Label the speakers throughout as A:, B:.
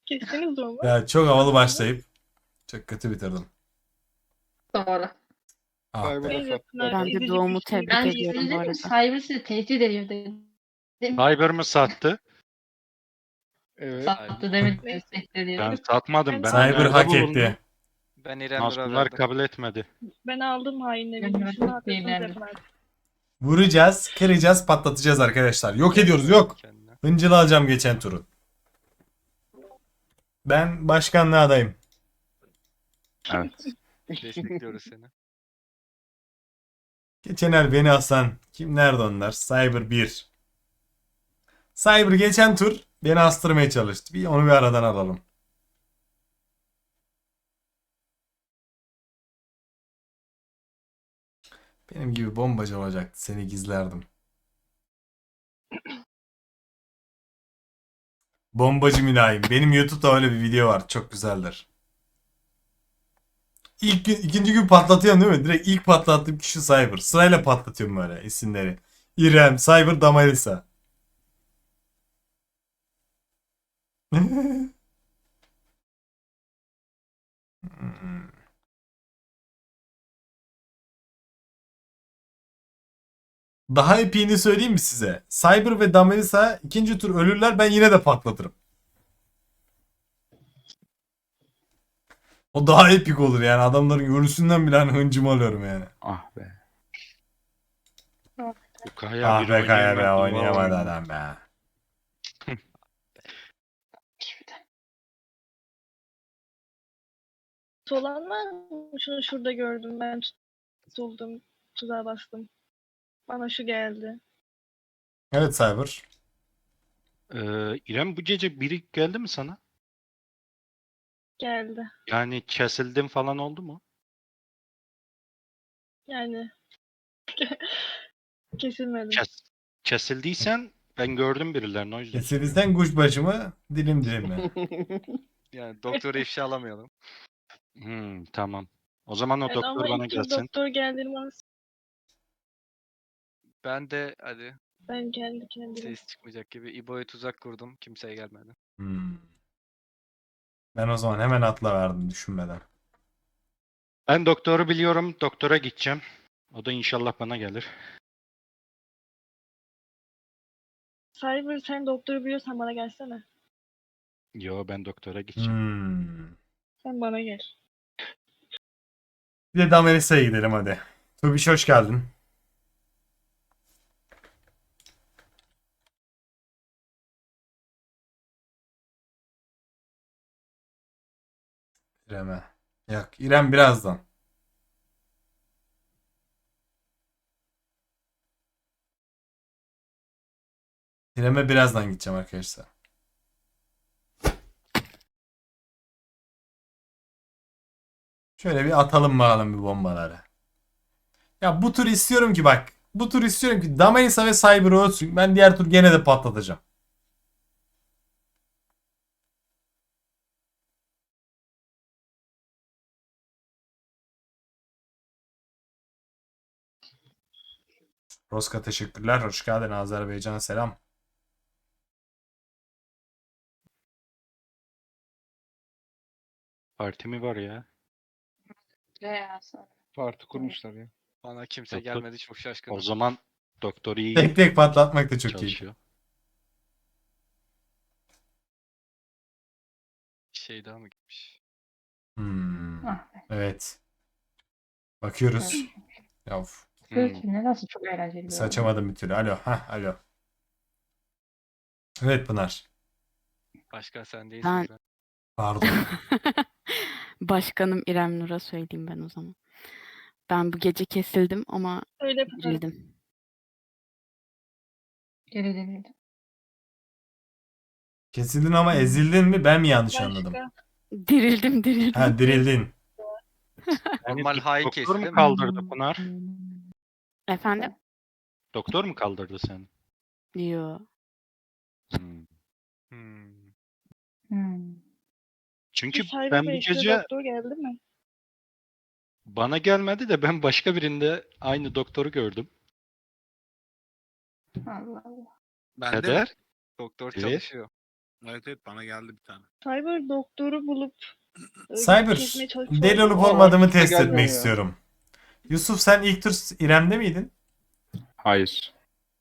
A: Kestiniz doğumu.
B: Ya çok havalı başlayıp çok kötü bitirdim.
C: Doğru.
B: Ah be.
A: Neyse,
D: Cyber'a
A: Pınar,
E: Ben de
A: ezici
E: doğumu
A: bir şey
E: tebrik
C: Ben
A: değil.
E: ediyorum bu
C: dedim
E: arada.
C: Cyber sizi tehdit ediyor dedim.
F: Cyber mı sattı?
D: Evet.
C: Sattı demedim.
A: Neyse.
C: Tehdit ediyor.
F: Ben satmadım. Ben
B: Cyber
F: öneride
B: hak
F: bulundum.
B: etti.
G: Ben İrem Nur'a
F: Masumlar
G: verdim.
F: kabul etmedi.
A: Ben aldım hainleri.
C: Ben
A: Şunu
C: çok
A: haklısınız
C: beğendim.
A: yapın artık.
B: Vuracağız, kıracağız, patlatacağız arkadaşlar. Yok ediyoruz, yok.
G: Kendine.
B: Hıncılı alacağım geçen turu. Ben başkanlığa adayım.
F: Evet.
G: Destekliyoruz seni.
B: Geçen el beni asan. Kim nerede onlar? Cyber 1. Cyber geçen tur beni astırmaya çalıştı. Onu bir aradan alalım. Benim gibi bombacı olacaktı. Seni gizlerdim. Bombacı mülayim. Benim YouTube'da öyle bir video var. Çok güzeldir. İlk gün, ikinci gün patlatıyorum değil mi? Direkt ilk patlattığım kişi Cyber. Sırayla patlatıyorum böyle isimleri. İrem, Cyber, Damarisa. Daha epiğini söyleyeyim mi size? Cyber ve Damarisa ikinci tur ölürler, ben yine de patlatırım. O daha epik olur yani. Adamların görüntüsünden bile hani hıncımı alıyorum yani.
F: Ah be. Bu Kaya
B: Ah
F: bir
B: be Kaya be,
F: oynayamadı.
B: oynayamadı
F: Vallahi.
B: adam be.
A: Olan var mı? Şunu şurada gördüm. Ben tutuldum. Tuzağa bastım. Bana şu geldi.
B: Evet Cyber.
F: İrem bu gece biri geldi mi sana?
A: Geldi.
F: Yani kesildim falan oldu mu?
A: Yani kesilmedim.
F: Kesildiysen ben gördüm birilerini o yüzden.
B: Kesilirsen kuşbaşı mı? Dilim dilim mi?
G: Yani doktora ifşa alamayalım.
F: Tamam. O zaman o
A: Evet,
F: doktor
A: ama
F: bana
A: ilk tur
F: gelsin.
A: doktor geldiğini bana
G: Ben de hadi
A: ben kendi kendime.
G: ses çıkmayacak gibi İbo'ya tuzak kurdum. Kimseye gelmedi.
B: Ben o zaman hemen atla verdim düşünmeden.
F: Ben doktoru biliyorum. Doktora gideceğim. O da inşallah bana gelir.
A: Cyber, sen doktoru biliyorsan bana gelsene.
F: Yo ben doktora gideceğim.
A: Sen bana gel.
B: Bir de Damelisa'ya gidelim hadi. Tubiş hoş geldin. İrem'e. Yok, İrem birazdan. İrem'e birazdan gideceğim arkadaşlar. Şöyle bir atalım bakalım bir bombaları. Ya bu tur istiyorum ki bak. Bu tur istiyorum ki Damelisa ve Cyber ölsün. Ben diğer tur gene de patlatacağım. Roska teşekkürler. Hoş geldin. Azerbaycan'a selam.
F: Parti mi var ya?
D: Parti kurmuşlar ya.
G: Bana kimse
F: Doktor-
G: gelmedi, çok şaşkınım.
F: O zaman doktor iyi
B: Tek tek patlatmak da çok iyi.
F: çalışıyor.
G: Şey daha mı gitmiş?
B: Evet. Bakıyoruz. Ya of.
C: Ne nasıl çok eğlenceli bir oyun.
B: Saçamadım bir türlü. Alo. Hah alo. Evet Pınar.
G: Başka sen değilsin.
E: Ben-
G: İrem.
B: Pardon.
E: Başkanım İrem Nur'a söyleyeyim ben o zaman. Ben bu gece kesildim ama
A: Öyle Pınar.
E: dirildim.
C: Geri dönüldü.
B: Kesildin ama ezildin mi? Ben mi yanlış anladım?
A: Başka.
E: Dirildim.
B: Ha dirildin.
G: Normal hain
F: Doktor
G: kesti
F: mu
G: değil mi?
F: kaldırdı Pınar?
E: Efendim?
F: Doktor mu kaldırdı seni?
E: Yo.
F: Hmm. Çünkü
A: Cyber
F: ben bu
A: Bey, size
F: gece
A: doktor geldi mi?
F: bana gelmedi de ben başka birinde aynı doktoru gördüm.
C: Allah Allah.
G: Ben de
F: Eder.
G: doktor
F: Evet.
G: çalışıyor.
H: Evet bana geldi bir tane.
A: Cyber doktoru bulup
B: Cyber,
A: kesmeye çalışıyor.
B: deli olup
D: Aa,
B: olmadığımı
D: kimse
B: test
D: gelmiyor
B: etmek
D: ya.
B: istiyorum. Yusuf, sen ilk tur İrem'de miydin?
I: Hayır.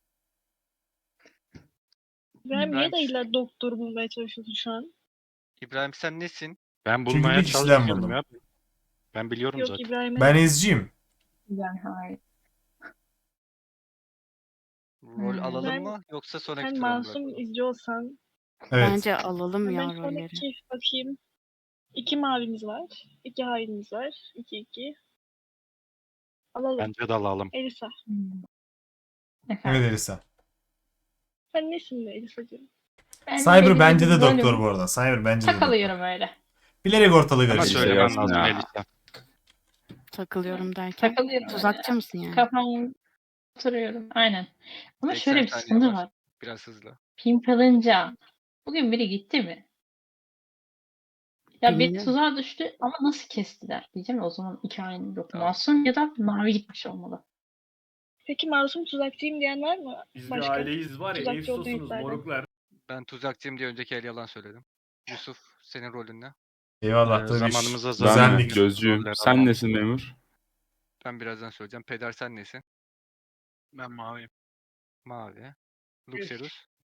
A: İbrahim niye
G: İbrahim,
A: de illa doktoru bulmaya çalışıyorsun şu an?
G: İbrahim sen nesin?
F: Ben
B: Çünkü
F: bulmaya
B: bir kişiden
F: çalışıyorum
B: buldum.
F: ya. Ben biliyorum
A: Yok
F: zaten.
A: İbrahim'e
B: Ben izciyim.
C: Ben hayır.
G: Rol alalım
A: Ben-
G: mı yoksa sonraki
A: sen
G: tura mı
A: masum
G: bırakalım?
A: izci olsan.
B: Evet.
E: Bence alalım ya
A: Ben
E: rolleri.
A: sonraki bakayım. 2 mavimiz var. 2 hainimiz var. 2-2. Alalım.
F: Bence de alalım.
A: Elisa.
C: Efendim.
B: Evet Elisa.
A: Sen nesin be Elisa'cığım?
C: Ben
B: Cyber
C: dediğim
B: bence
C: gibi
B: de doktor
C: rolüm.
B: bu arada. Cyber bence de doktor.
C: Takılıyorum öyle.
B: Bilerek ortalığı
F: Bana
B: karıştırıyor.
F: söylemen
I: yazsın
F: lazım
I: ya.
F: Elisa.
E: Takılıyorum derken.
C: Takılıyorum
E: Tuzakçı
C: öyle.
E: mısın yani?
C: Kafamı oturuyorum. Aynen. Ama
G: 80
C: şöyle bir
G: saniye
C: sıkıntı
G: var.
C: var.
G: Biraz hızlı.
C: Pimpalınca. Bugün biri gitti mi? Ya bir
E: Bilmiyorum.
C: tuzağa düştü ama nasıl kestiler diyeceğim. O zaman iki aynı yok.
G: Tamam.
C: Masum ya da mavi gitmiş olmalı.
A: Peki masum tuzakçıyım diyen var mı?
J: Biz
A: Başka?
J: bir aileyiz var ya,
A: Tuzakçı olduğunu
J: Efsos'unuz
A: iddia eden.
J: moruklar.
G: Ben tuzakçıyım diye önceki el yalan söyledim. Yusuf senin rolün ne?
B: Eyvallah tabii.
F: Zamanımıza
I: Ben
B: Güzellik.
I: gözcüyüm.
F: Roller
I: Sen
F: alalım.
I: nesin memur?
G: Ben birazdan söyleyeceğim. Peder sen nesin?
H: Ben maviyim.
G: Mavi. Luxerus.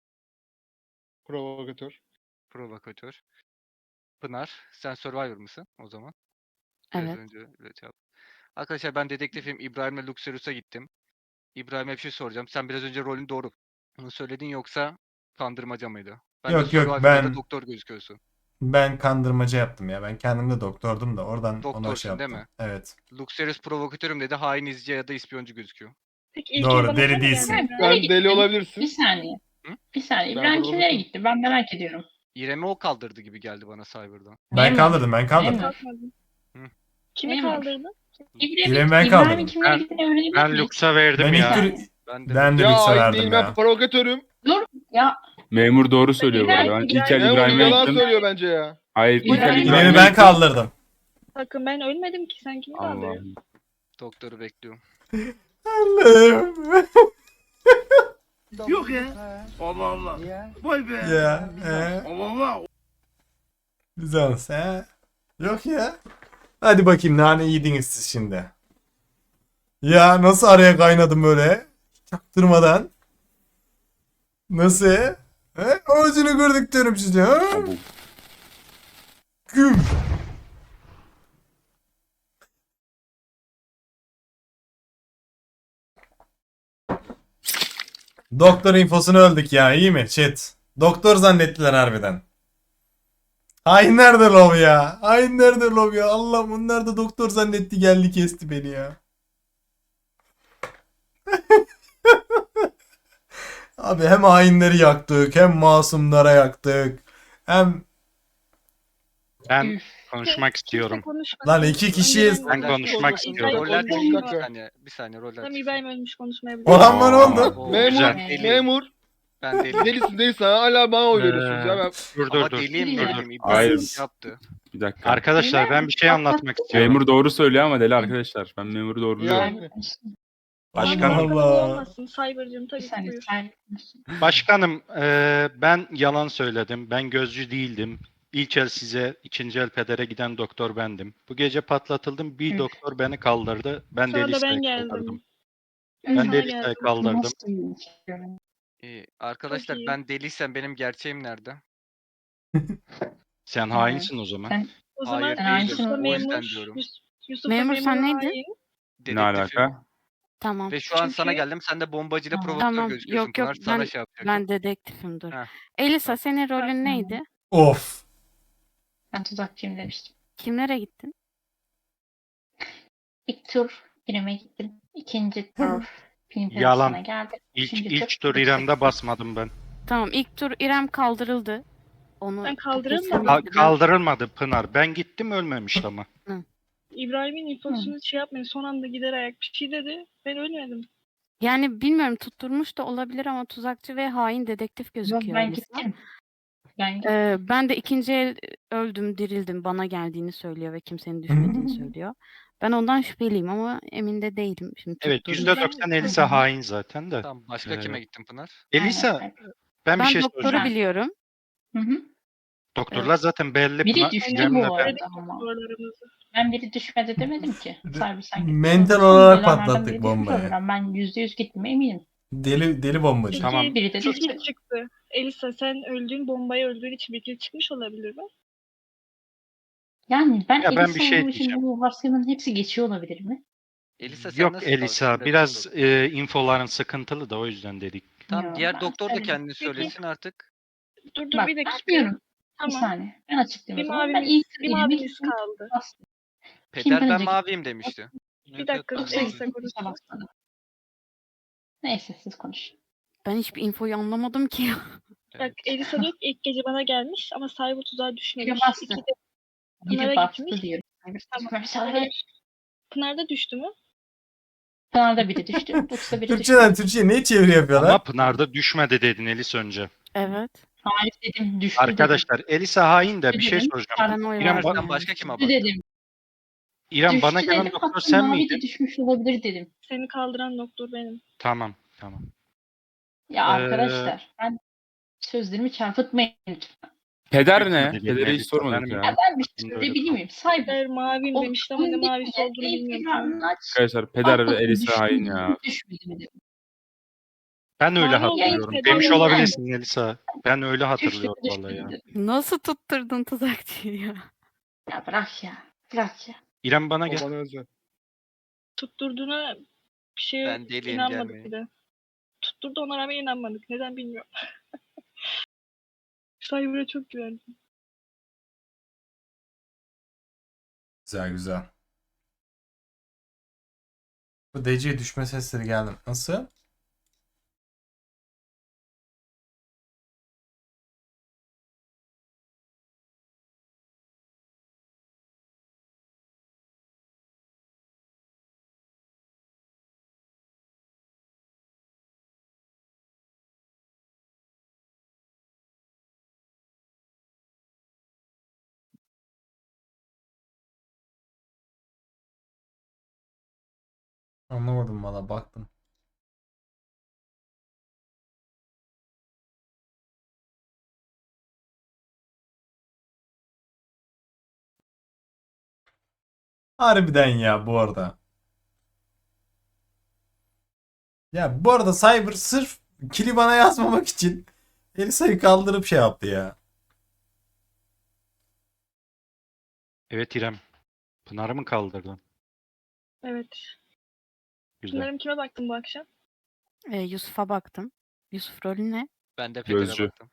D: Provokatör.
G: Provokatör. Pınar. Sen Survivor mısın o zaman? Biraz
E: Evet.
G: önce öyle cevap. Arkadaşlar ben dedektifim. İbrahim'le Luxerus'a gittim. İbrahim'e bir şey soracağım. Sen biraz önce rolün doğru mu söyledin yoksa kandırmaca mıydı? Bence
B: Yok, yok,
G: Survivor'da
B: ben-
G: doktor gözüküyorsun.
B: Ben kandırmaca yaptım ya. Ben kendim de doktordum da oradan ona
G: Doktorsun,
B: şey
G: değil
B: yaptım.
G: mi?
B: Evet.
G: Luxerius provokatörüm dedi. Hain izci ya da ispiyoncu gözüküyor.
A: Peki ilk
B: Doğru,
A: el bana
B: deli
A: sen mi
B: değilsin.
A: geldin?
C: Nereye
D: Ben
C: gitti?
D: deli olabilirsin.
C: Bir saniye.
G: Hı?
C: Bir saniye.
D: Ben
C: İbrahim
D: provokatör-
C: kimlere gitti? Ben merak ediyorum.
G: İrem'i o kaldırdı gibi geldi bana Cyber'dan.
B: Ben
C: Memur.
B: kaldırdım.
C: Memur.
A: Kalkmadın.
G: Hı.
A: Kimi
C: Memur.
A: kaldırdın?
B: İrem'i ben kaldırdım.
C: İbrahim'in kimlere
F: Ben-
C: gittiğini öğrenebilir
F: Ben
C: miyiz?
F: Lux'a verdim
B: Ben
F: ya.
B: ilk tur
G: Ben de
B: ben de
D: Ya
B: lükse
D: ait
B: verdim
D: değil, ben
B: ya.
D: provokatörüm.
C: Ya
I: Memur doğru söylüyor bu
C: İbrahim-
I: arada. Ben ilk
A: İbrahim-
I: el
D: Memur
I: İbrahim'e
D: yalan
I: gittim.
D: söylüyor bence ya.
I: Hayır ilk el
C: İbrahim-
B: İrem'i
I: İbrahim'e
B: ben
I: gittim.
B: kaldırdım.
A: Bakın ben ölmedim ki sen kimi kaldırdın?
I: Allah'ım.
G: doktoru bekliyorum.
B: Allah'ım.
H: Yok ya. Allah Allah. Vay be.
B: Ya.
H: Allah Allah.
B: Güzel he. Yok ya. Hadi bakayım nane yediniz siz şimdi. Ya nasıl araya kaynadım böyle? Çaktırmadan. Nasıl? He? Ağzını gördük diyorum size. Ha?
I: Abo.
B: Güm. Doktor infosunu öldük ya, iyi mi chat? Doktor zannettiler harbiden. Hainler de lov ya. Hainler de lov ya. Allah, bunlar da doktor zannetti, geldi kesti beni ya. Abi hem hainleri yaktık, hem masumlara yaktık. Hem
F: Ben konuşmak istiyorum.
A: Kimse konuşmasın.
B: Lan iki kişiyiz.
A: İbrahim
F: Ben
A: ölmüş.
F: konuşmak
A: İbrahim
F: istiyorum.
G: Roller
A: ölmüş.
G: çıksın bir
D: dakika.
G: saniye. Bir saniye roller
A: Tamam
G: çıksın.
A: İbrahim ölmüş, konuşmayabilir.
B: Orhan bana oldu.
F: Oo,
D: Memur,
F: güzel.
G: Deliyim.
D: memur.
G: Ben deliyim.
D: Delisin hala bana oy veriyorsunuz ya. Ben...
F: Dur
G: Ama
F: dur dur.
G: deliyim
C: Dur, dur.
G: deliyim. İbrahim
I: Hayır.
G: yaptı.
I: Bir dakika.
F: Arkadaşlar ben bir şey anlatmak istiyorum.
I: Memur doğru söylüyor ama deli arkadaşlar. Ben memuru doğru biliyorum.
D: Yani.
F: Başkanım.
B: Allah Allah.
A: Olmasın Cyber'cığım
C: Bir
A: tabii ki
C: saniye.
A: buyur.
C: Sen...
F: Başkanım ben yalan söyledim. Ben gözcü değildim. İlk el size, ikinci el pedere giden doktor bendim. Bu gece patlatıldım. Bir
C: Üf.
F: doktor beni kaldırdı. Ben
A: Sonra da
F: deli
A: ben
F: listeye
A: geldim.
F: kaldırdım.
A: Ben
F: Ben
A: sana
F: deli
A: geldim.
F: listeye kaldırdım.
C: Nasıl bir
G: Arkadaşlar
A: Çok iyi.
G: ben deliysem benim gerçeğim nerede?
F: Sen hainsin o zaman.
C: Sen
A: O zaman
G: Hayır,
C: değilim.
A: Yusuf'la
C: O
G: yüzden
A: memur,
G: diyorum.
A: Yusuf'la
E: Memur sen
A: memur
E: neydin?
A: hain.
I: Ne
G: Dedektifim.
I: alaka?
E: Tamam.
G: Ve şu an sana
A: Çünkü-
G: geldim. Sen de bombacıyla
C: Tamam.
G: provokatör
E: Tamam,
G: gözüküyorsun.
E: yok, yok,
G: Pınar sana
E: ben-
G: şey yapacak.
E: Ben dedektifim, dur.
G: Heh.
E: Elisa,
G: Tamam.
E: senin rolün neydi?
B: Of.
C: Ben tuzakçıyım demiştim.
E: Kimlere gittin?
C: İlk tur İrem'e gittim. İkinci tur
F: Yalan.
C: Pimpel'sine geldim.
F: İlk,
C: Üçüncü
F: ilk tur
C: Lux'e
F: İrem'de basmadım ben.
E: Tamam, ilk tur İrem kaldırıldı. Onu
A: Ben kaldırılmadım.
E: kesinlikle-
F: Kaldırılmadı Pınar. Ben gittim ölmemişti ama.
A: İbrahim'in infosunu şey yapmayın. Son anda gider ayak bir şey dedi. Ben ölmedim.
E: Yani bilmiyorum, tutturmuş da olabilir ama tuzakçı ve hain dedektif
C: Yok,
E: gözüküyor
C: ben
E: Elisa.
C: gittim. Ben gittim.
E: Ben de ikinci el öldüm, dirildim. Bana geldiğini söylüyor ve kimsenin düşmediğini söylüyor. Ben ondan şüpheliyim ama emin de değilim. Şimdi
F: Evet
E: tutturunca-
F: %90 Elisa hain zaten de.
G: Tamam başka
F: Ee,
G: kime gittin Pınar?
F: Elisa
C: Aynen.
F: ben bir
E: Ben
F: şey
E: doktoru
F: soracağım.
E: biliyorum.
C: Hı hı.
F: Doktorlar zaten belli.
C: Biri
F: Pınar,
C: düştü
F: İrem'le
C: bu
F: ben-
C: arada ama.
A: Doktorlarımızı.
C: Ben biri düşmedi demedim ki. Cyber sen gittin.
B: Mental
C: Son
B: olarak
C: gelenlerden
B: patlattık
C: biri düşmüş
B: bombayı.
C: olabilir. Ben %100 gittiğime eminim.
B: Deli bombacı.
A: Peki
F: Tamam.
C: Biri de
A: bir
C: düştü.
A: kill çıktı. Elisa sen öldüğün bombayı öldüğün için bir kill çıkmış olabilir mi?
C: Yani ben
F: Ya ben bir
C: Elisa
F: şey
C: olduğum için
F: diyeceğim.
C: bu varsayımın hepsi geçiyor olabilir mi?
G: Elisa sen
F: Yok
G: nasıl
F: Elisa
G: tavsiye
F: biraz
G: edersin?
F: infoların sıkıntılı da o yüzden dedik.
G: Tamam
C: Yo,
G: diğer
C: ben
G: doktor da
C: söyledim.
G: kendini söylesin artık.
A: Dur
C: Bak
A: bir
C: ben
A: dakika.
C: diyorum. Bir
A: Tamam.
C: saniye. Ben açıklayayım
A: Bir
C: o zaman. Ben
A: mavimiz,
C: ilk
A: bir
C: elime
A: mavimiz
C: gittim.
A: kaldı.
C: Bastım.
G: Peder
C: Kimden
G: ben
C: önce
G: maviyim demişti.
A: Bir dakika
H: Evet,
C: Yoksa
H: ben
A: Elisa
H: maviyim.
C: kimse
A: konuşsun.
C: basmadı. Neyse siz konuşun.
E: Ben hiçbir infoyu anlamadım ki.
A: Bak
G: Evet.
A: Elisa diyor ki ilk gece bana gelmiş ama Cyber tuzağa
C: Biri
A: düşmemiş.
C: bastı.
A: İki de Pınar'a
C: Biri bastı
A: gitmiş.
C: diyorum.
A: Tamam.
C: Mesela
A: Hayır. Pınar'da düştü mü?
C: Pınar'da biri düştü. Lux'ta biri düştü.
B: Türkçeden Türkçe'ye niye çeviri yapıyorlar?
F: Ama Pınar'da düşmedi dedin Elisa önce.
E: Evet.
C: Hayır dedim düştü dedim.
F: Arkadaşlar Elisa hain de bir şey
C: Dedim.
F: soracağım.
E: Paranoya
F: İrem,
E: verdim
F: ba-
G: Sen
E: yani.
G: başka kime
C: Düştü
G: baktın?
C: dedim.
F: İrem bana
C: Düştü
F: gelen
C: dedim.
F: doktor
C: Hatta
F: sen
C: mavi
F: miydin?
C: de düşmüş olabilir dedim.
A: Seni kaldıran doktor benim.
F: Tamam.
C: Ya
F: Ee,
C: arkadaşlar ben sözlerimi çarpıtmayın lütfen.
I: Peder ne?
F: Düşmedi
I: Pedere hiç
F: Elisa,
I: sormadık
F: benim
I: ya.
C: Ya ben bir şey
F: aklımda öyle
C: söyleyebilir
F: kaldı.
C: miyim? Cyber.
A: Peder maviyim
C: O
A: demişti ama ne
C: oyun
A: mavisi
C: bitmeden
A: olduğunu bilmiyorum şu an.
C: ekranını aç.
I: Arkadaşlar Peder
C: Bak
I: ve
C: bakın
I: Elisa
C: düştü
I: hain
C: mü,
I: ya.
C: düşmedi mi dedim.
F: Ben öyle
A: Mavi olan
F: hatırlıyorum.
A: Peder
F: Demiş
A: değil.
F: olabilirsin Elisa. Ben öyle
C: Düştü
F: hatırlıyorum
C: mü, düşmedi
F: vallahi ya.
C: mi dedim.
E: Nasıl tutturdun tuzakçıyı ya?
C: Ya bırak ya. Bırak ya.
F: İrem bana
D: O
F: gel.
D: bana özel.
A: Tutturduğuna bir şeye
G: Ben deliyim,
A: inanmadık
G: gelmeyin.
A: bir de. Tutturdu ona rağmen inanmadık. Neden bilmiyorum. Cyber'a çok güvendim.
B: Güzel. Bu DC'ye düşme sesleri geldi. Nasıl? Anlamadım valla baktım. Harbiden ya bu arada. Ya bu arada Cyber sırf kili bana yazmamak için Elisa'yı kaldırıp şey yaptı ya.
F: Evet İrem. Pınar'ı mı kaldırdın?
A: Evet.
F: Güzel.
A: Pınar'ım kime baktın bu akşam?
E: Yusuf'a baktım. Yusuf rolü ne?
G: Ben de Peder'e
I: Gözcü.
G: baktım.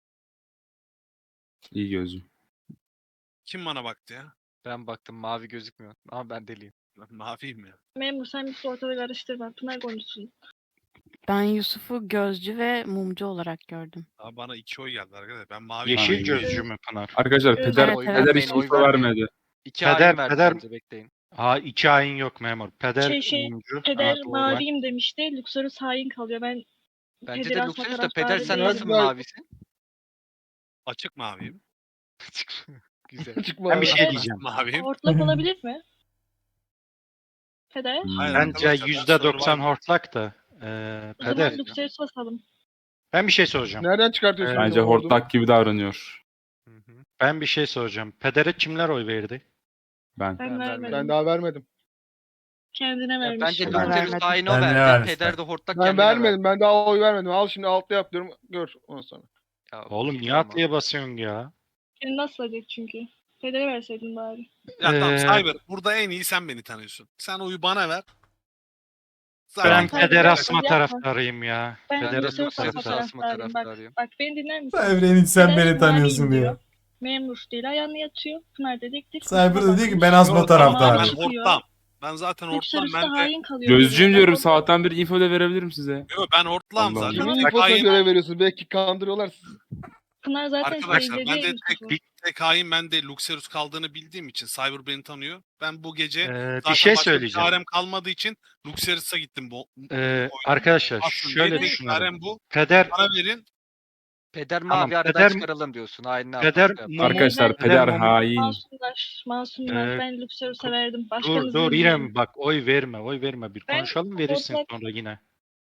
I: İyi gözüm.
H: Kim bana baktı ya?
G: Ben baktım mavi gözükmüyor. Ama ben deliyim.
H: Ben maviyim ya.
A: Memur sen bir ortada karıştırma. Pınar konuşsun.
E: Ben Yusuf'u gözcü ve mumcu olarak gördüm.
H: Abi bana 2 oy geldi arkadaşlar. Ben maviyim.
F: Yeşil
I: Aynen.
F: gözcü mü Pınar?
I: Arkadaşlar
A: Evet,
I: Peder,
E: evet.
I: Peder hiç
G: Oy
I: info
G: vermeyin.
I: vermedi.
G: İki
F: Peder-
G: hain verdi
F: Peder-
G: bence, bekleyin.
F: Ha 2 hain yok memur. Peder
A: Şey,
F: mumcu.
A: Peder
F: Ha, doğru.
A: maviyim demişti. Luxorus hain kalıyor. Ben
G: Bence
A: Peder
G: de
A: asma
G: Luxurious da Peder
A: taraftarı
G: sen
A: değilim.
G: nasıl mavisin?
H: Açık maviyim.
G: Güzel.
D: Çıkma
F: Ben bir
D: abi.
F: şey diyeceğim.
H: Maviyim.
A: Hortlak olabilir mi? Peder.
H: Hayır,
F: Bence
H: arkadaşlar, ben
F: %90
H: Survivor-
F: hortlak da.
A: O zaman
F: Peder.
A: Luxorus basalım.
F: Ben bir şey soracağım.
D: Nereden çıkartıyorsun?
I: Bence
D: o ordumu?
I: hortlak gibi davranıyor.
G: Hı hı.
F: Ben bir şey soracağım. Peder'e kimler oy verdi?
I: Ben.
A: Ben
G: Ben
A: vermedim.
D: Ben daha vermedim.
A: Kendine
G: Ya
A: vermiş.
G: bence
E: Ben
G: Luxurious
E: vermedim.
G: hain o
B: Ben ne
G: verdi.
B: vermiş
G: Peder
B: ben?
G: de hortlak
D: Ben
G: kendine
D: vermedim.
G: verdi.
D: Ben daha oy vermedim. Al şimdi altta yap diyorum. Gör ondan sonra.
G: Ya,
F: Oğlum
G: hiç
F: niye
G: olmaz.
F: atlıya basıyorsun ya?
A: Seni nasıl edecek çünkü? Peder'e verseydin bari.
H: Ya tamam
F: Ee,
H: Cyber. Burada en iyi sen beni tanıyorsun. Sen oyu bana ver.
F: Ben
A: Tamam.
F: Peder asma
A: Yapma.
F: taraftarıyım ya.
A: Ben
G: Ben de
F: Peder
A: Luxurious
F: asma
G: Luxurious
A: asma
F: taraftarıyım.
G: asma
A: taraftarıyım.
G: taraftarıyım.
A: Bak beni dinler misin?
B: Cyber'in hiç sen
A: Peder
B: beni tanıyorsun
A: maviyim
B: diyor.
A: Memur değil ayağını yatıyor. Pınar dedektif.
B: Cyber
A: Luxorus'a
B: da diyor ki
A: bakmış.
B: ben asma
H: Yok, tamam,
B: taraftarıyım.
H: Ben
A: Çıkıyor.
H: hortlam. Ben zaten hortlam.
A: Luxorus
H: Ben
A: da
H: de...
A: hain kalıyor.
I: Gözcüğüm
A: geriye.
I: diyorum
A: Ben
I: sabahtan beri info da verebilirim size.
H: Yok, ben hortlam
I: Allah
H: zaten.
I: Allah.
D: Kimin
H: Tek
D: infosuna
H: hain-
D: göre veriyorsun? Belki kandırıyorlar sizi.
A: Pınar zaten
H: Arkadaşlar
A: sevdi
H: ben de
A: Yusuf'u.
H: tek hain ben de Luxerius kaldığını bildiğim için Cyber beni tanıyor. Ben bu gece
F: Bir
H: zaten
F: şey
H: başka bir
F: söyleyeceğim.
H: çarem kalmadığı için Luxerius'a gittim bu.
F: Arkadaşlar
H: Aslında
F: şöyle
H: benim
F: düşünüyorum.
H: çarem bu.
F: Peder
H: Bana verin.
G: Peder
F: Tamam,
G: mavi aradan
F: Peder-
G: çıkaralım diyorsun. Hain ne
F: Peder
G: yaparsa yapar.
F: Mumu-
I: Arkadaşlar
A: Ben-
I: Peder
F: Ben-
I: hain.
A: Masumlar.
F: Ee,
A: Ben Luxorus'a verdim.
F: dur
A: Başkanınızı
F: dur
A: dinliyorum.
F: İrem bak oy verme bir
A: Ben
F: konuşalım verirsin
A: hortlak-
F: sonra yine.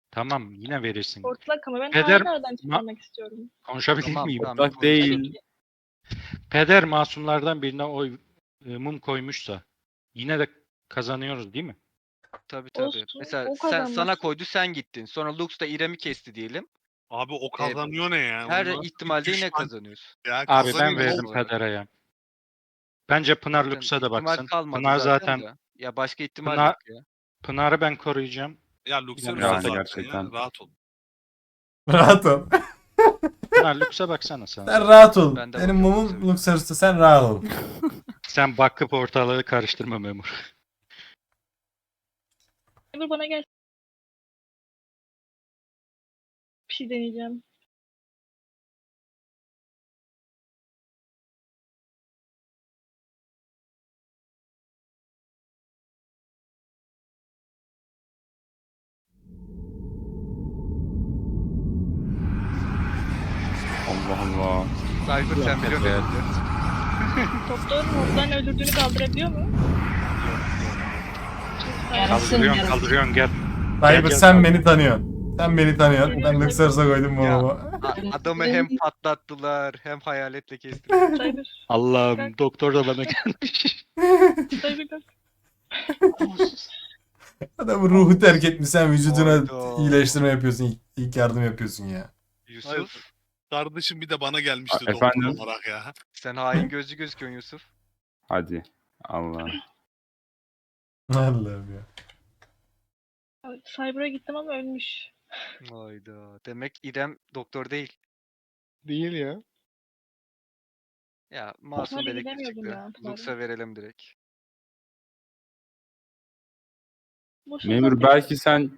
F: Tamam yine verirsin.
A: Ortalak ama ben
F: Peder-
A: nereden çıkarmak istiyorum.
F: Konuşabilir
G: Tamam,
F: miyim?
G: tamam.
I: Bak değil.
F: Peder masumlardan birine oy mum koymuşsa yine de kazanıyoruz değil mi?
G: Tabii tabii.
A: Olsun,
G: Mesela
A: o
G: sana
A: kazanmaz.
G: koydu sen gittin. Sonra Lux da İrem'i kesti diyelim.
H: Abi o kazanıyor ne ya?
G: Her
H: O nasıl bir
G: ihtimalde yine
H: düşman
G: kazanıyorsun.
H: ya?
F: Abi ben
H: Kazanıyor
F: verdim
G: olarak.
F: Peder'e ya. Bence Pınar
G: Zaten
F: Lux'a da
G: ihtimal
F: baksın.
G: kalmadı
F: Pınar zaten
G: de. Ya başka ihtimal
F: Pınar-
G: yok ya.
F: Pınar'ı ben koruyacağım.
H: Ya Luxerus
F: Yani
H: zaten
I: gerçekten.
H: ya. Rahat ol.
B: Rahat ol.
F: Pınar Lux'a baksana sen.
B: Sen rahat ol.
G: Ben de
B: Benim
G: bakıyorum
B: mumum
G: Luxerus'a.
B: Luxerus'ta, sen rahat ol.
F: Sen bakıp ortalığı karıştırma memur.
A: Cyber bana gel. Bir şey deneyeceğim.
I: Allah Allah.
G: Cypher sen biliyorsun.
I: Evet.
A: Doktor oradan öldürdüğünü kaldırabiliyor mu?
C: Yarasın
F: Kaldırıyorsun
C: yarasın.
F: kaldırıyorsun gel.
B: Cyber
F: gel,
B: sen
F: gel.
B: beni tanıyorsun. Sen beni tanıyorsun. Ben Luxerus'a koydum mumumu.
G: Adamı hem patlattılar hem hayaletle kestiler.
A: Cyber.
F: Allah'ım doktor da bana gelmiş.
A: Cyber kalk.
B: Adamın ruhu terk etmiş, sen vücuduna
G: Hayda.
B: iyileştirme yapıyorsun. İlk yardım yapıyorsun ya.
G: Yusuf
H: Kardeşim bir de bana gelmişti doktor
I: Efendim?
H: olarak ya.
G: sen hain gözlü gözüküyorsun Yusuf.
I: Hadi. Allah.
B: Allah'ım ya.
A: Cyber'a gittim ama ölmüş.
G: Hayda. Demek İrem doktor değil.
D: Değil ya.
G: Ya masum
A: Hadi
G: dedektif
A: gidemiyordum
G: çıktı.
A: ya, pardon.
G: Lux'a verelim direkt.
A: Boşuna
I: Memur
A: zaten-
I: belki sen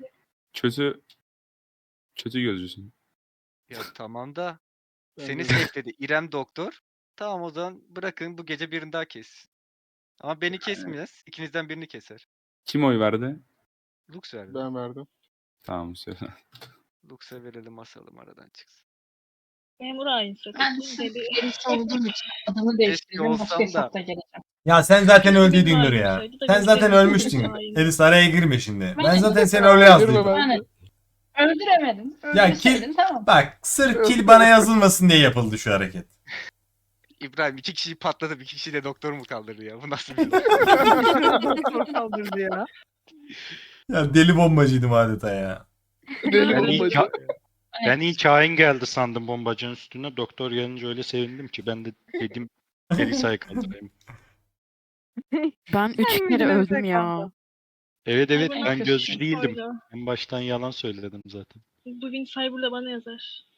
I: kötü gözcüsün.
G: Ya tamam da
D: Ben
G: seni
D: de-
G: safe'ledi İrem doktor. Tamam o zaman bırakın bu gece birini daha kessin. Ama beni kesmez. İkinizden birini keser.
I: Kim oy verdi?
G: Lux verdi.
D: Ben verdim.
I: Tamam söyle.
G: Lux'a verelim asalım aradan çıksın.
A: Memur hain
C: Ben de
A: strateji.
C: sırf
A: Deli.
C: birisi olduğum için adımı değiştirdim.
G: olsam
C: Başka
G: da-
C: hesapta geleceğim.
B: Ya sen zaten
A: Keşke
B: öldüydün
A: benim
B: Nur ya.
A: halim olsaydı da
B: Sen zaten
A: görseydim.
B: ölmüştün.
A: Hain.
B: Elis araya girme şimdi. Ben
C: Ben-
B: zaten seni öyle yazdıydım.
D: Ben-
C: Yani öldüremedim.
B: Ya
C: Öldürseydin tamam.
B: Bak sırf kill bana yazılmasın diye yapıldı şu hareket.
G: İbrahim 2 kişiyi patlatıp 2 kişi de doktor mu kaldırdı ya? Bu nasıl bir
E: Doktor kaldırdı ya.
B: Ya deli bombacıydım adeta ya.
D: Deli
F: Ben ilk,
D: bombacı.
F: ben ilk hain geldi sandım bombacının üstüne. Doktor gelince öyle sevindim ki ben de dedim Elisa'yı kaldırayım.
E: Ben 3 kere öldüm ya.
F: Evet evet
A: Cyber
F: ben
A: nasıl
F: gözcü
A: bir
F: değildim.
A: koydu?
F: En baştan yalan söyledim zaten.
A: Bugün Cyber'la bana yazar.